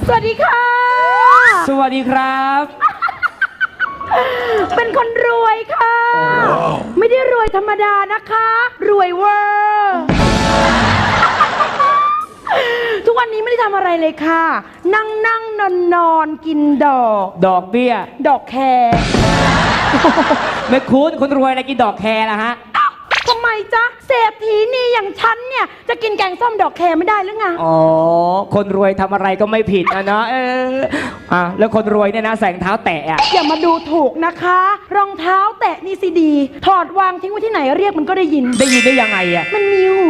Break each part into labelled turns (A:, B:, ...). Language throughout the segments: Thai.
A: สวัสดีค่ะ
B: สวัสดีครับ
A: เป็นคนรวยค่ะ ไม่ได้รวยธรรมดานะคะรวยเวอร์ทุกวันนี้ไม่ได้ทำอะไรเลยค่ะนั่งนอนกินดอก
B: เบี้ย
A: ดอกแคร์
B: ไม่คุ้นคนรวยอะไรกินดอกแคร์ล่ะฮะ
A: ทำไมจ๊ะเศรษฐีนี่อย่างฉันเนี่ยจะกินแกงส้มดอกแคร์ไม่ได้หรือไง
B: อ๋อคนรวยทำอะไรก็ไม่ผิดนะเนาะแล้วคนรวยเนี่ยนะใส่รองเท้าแตะ
A: อย่ามาดูถูกนะคะรองเท้าแตะนี่สิดีถอดวางทิ้งไว้ที่ไหนเรียกมันก็ได้ยิน
B: ได้ยังไง
A: มันมีหู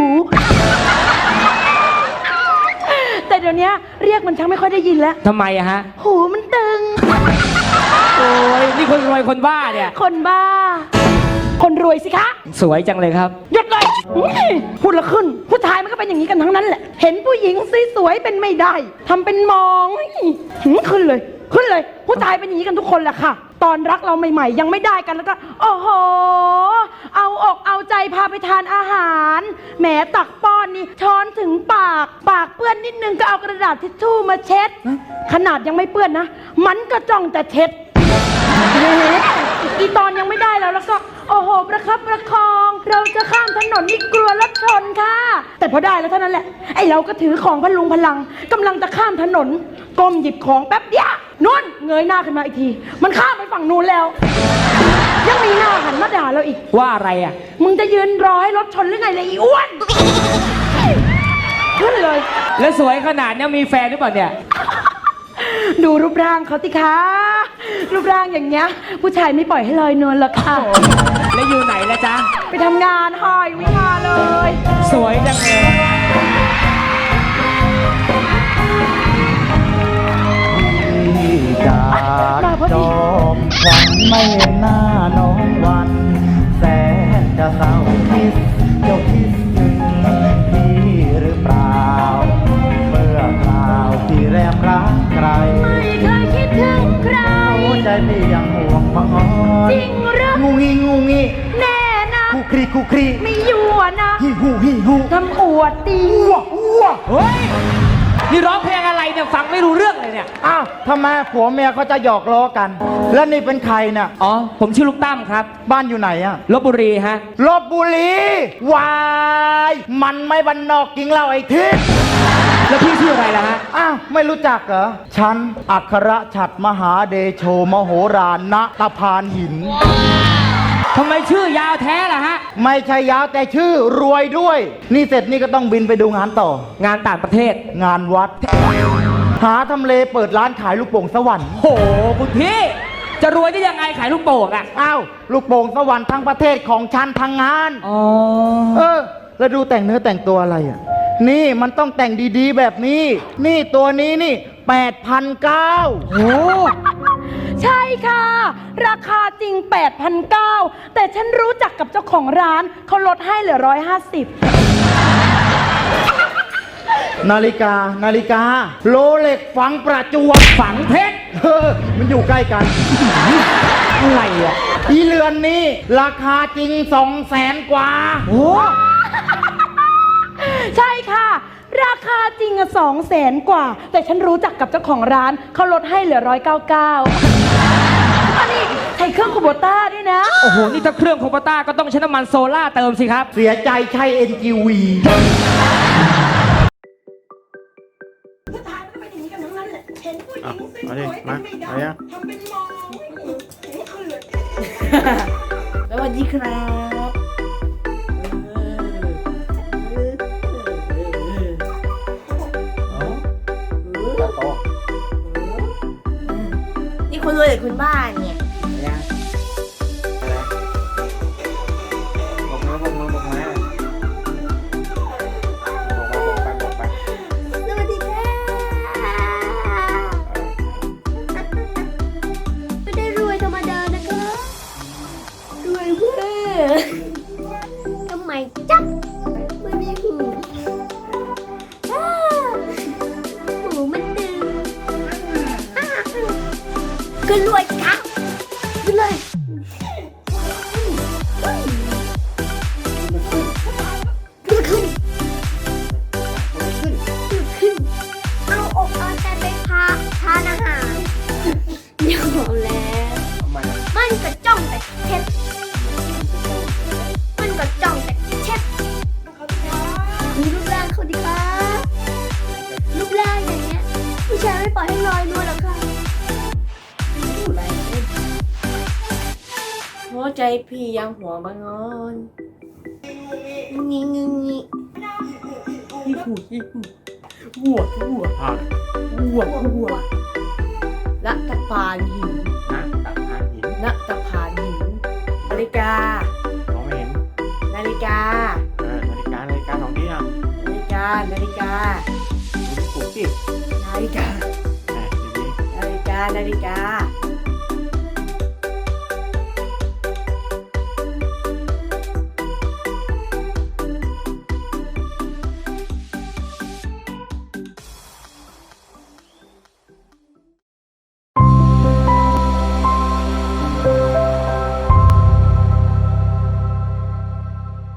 A: แต่เดี๋ยวนี้เรียกมันช่างไม่ค่อยได้ยินแล้ว
B: ทำไมฮะ
A: หูมันตึง
B: โอ้ยนี่คนรวยคนบ้าเนี่ย
A: คนบ้าคนรวยสิคะ
B: สวยจังเลยครับ
A: หยุดเลยพูดละขึ้นผู้ชายมันก็เป็นอย่างนี้กันทั้งนั้นแหละเห็นผู้หญิงสวยๆเป็นไม่ได้ทำเป็นมองขึ้นเลยผู้ชายเป็นอย่างนี้กันทุกคนแหละค่ะตอนรักเราใหม่ๆยังไม่ได้กันแล้วก็โอ้โหเอาอกเอาใจพาไปทานอาหารแหมตักป้อนนี่ช้อนถึงปากเปื้อนนิดนึงก็เอากระดาษทิชชู่มาเช็ดขนาดยังไม่เปื้อนนะมันก็จ้องแต่เช็ดอีตอนยังไม่ได้แล้วก็โอ้โหประคับประคองเราจะข้ามถนนนี่กลัวรถชนค่ะแต่พอได้แล้วเท่านั้นแหละไอเราก็ถือของพลุงพลังกำลังจะข้ามถนนก้มหยิบของแป๊บเดียวนู่นเงยหน้าขึ้นมาอีกทีมันข้ามไปฝั่งนู้นแล้วยังมีหน้าหันมาด่าเราอีก
B: ว่าอะไร
A: มึงจะยืนรอให้รถชนหรือไงเลยอีอ้วนขึ้นเลย
B: แล้วสวยขนาดนี้มีแฟนหรือเปล่าเนี่ย
A: ดูรูปร่างเขาสิคะรูปร่างอย่างเงี้ยผู้ชายไม่ปล่อยให้ลอยนวลหรอกค่ะ
B: แล้วอยู่ไหนละจ๊ะ
A: ไปทำงานหอยวิ่งมาเลย
B: สวยจังเลย
C: จากจอมขวัญไม่เห็นหน้าน้องวันแสนจะเศร้าคิดเจ้าคิดถึงพี่หรือเปล่าเมื่อข่าวที่แรมรักใคร
A: ไม่เคยคิดถึงใคร
C: หัวใจพี่ยังห่วงมังอ่อน
A: จริงหรือ
C: งูงี้
A: แน่นะ
C: คู่ครี
A: ไม่ยั่วนะ
C: ฮิฮู
A: ทำอวดดี
C: อ้ว
B: เฮ้ยนี่ร้องเพลงอะไรเนี่ยฟังไม่รู้เรื่องเลยเนี่ย
C: อ้าวทำไมผัวเมียเขาจะหยอกล้อกันแล้วนี่เป็นใครเนี่ย
B: อ๋อผมชื่อลูกตั้มครับ
C: บ้านอยู่ไหน
B: ลพบุรีฮะ
C: ลพบุรีวายมันไม่บ้านนอกจริงเราไอ้ทิศ
B: แล้วพี่ชื่ออะไรล่ะฮะ
C: อ้าวไม่รู้จักเหรอฉันอัครฉัตรมหาเดโชมโหฬารณตะพานหิน
B: ทำไมชื่อยาวแท้ล่ะฮะ
C: ไม่ใช่ยาวแต่ชื่อรวยด้วยนี่เสร็จนี่ก็ต้องบินไปดูงานต่อง
B: านต่างประเทศ
C: งานวัดหาทำเลเปิดร้านขายลูกโป่งสวรรค์
B: โหคุณพี่จะรวยได้ยังไงขายลูกโป่ง
C: อ้าวลูกโป่งสวรรค์ทั้งประเทศของฉันทั้งงานแล้วดูแต่งเนื้อแต่งตัวอะไรนี่มันต้องแต่งดีๆแบบนี้นี่ตัวนี้นี่8,900
B: โอ้
A: ใช่ค่ะราคาจริง 8,900 แต่ฉันรู้จักกับเจ้าของร้านเขาลดให้เหลือ150
C: นาฬิกาโรเล็กฝังประจวบ
B: ฝังเพชร
C: มันอยู่ใกล้กัน
B: อะไร
C: อีเรือนนี้ราคาจริง200,000 กว่า
B: โอ้
A: ใช่ค่ะราคาจริง200,000 กว่าแต่ฉันรู้จักกับเจ้าของร้านเขาลดให้เหลือ199อันนี้ใช้เครื่องคูโบต้าด้วยนะ
B: โอ้โหนี่ถ้าเครื่องคูโบต้าก็ต้องใช้น้ำมันโซล่าเติมสิครับ
C: เสียใจใช้ NGV
A: ผู้ชายมันก็เป็นอย่างนี้กันทั้งนั้นแหละเห็นผู้หญิงสวยๆเป็นไม่ได้ทำเป็นมองสวัสดีครับ
D: นี่คุณรวยหรือคุณบ้าเนี่ยสวัสดีค่ะไม่ได้รวยธรรมดานะคะรวยเพื่อทำไมจ๊ะไม่มีหูมันดึงขึ้นรวยค่ะขึ้นเลยขึ้นเอาอกเอาใจไปพาพี่ยังหัวบางอนงี้งี้งี้หัวละตะพานหิน
C: นะตักหาหิน
D: ณตะพานหินนาฬิกาม
C: องไม่เห็น
D: นาฬิกา
C: นาฬิกาสองที่อ่ะ
D: นาฬิกา
C: ดูที่ปลุกสิ
D: นาฬิกา
C: แหมดี
D: นาฬิกา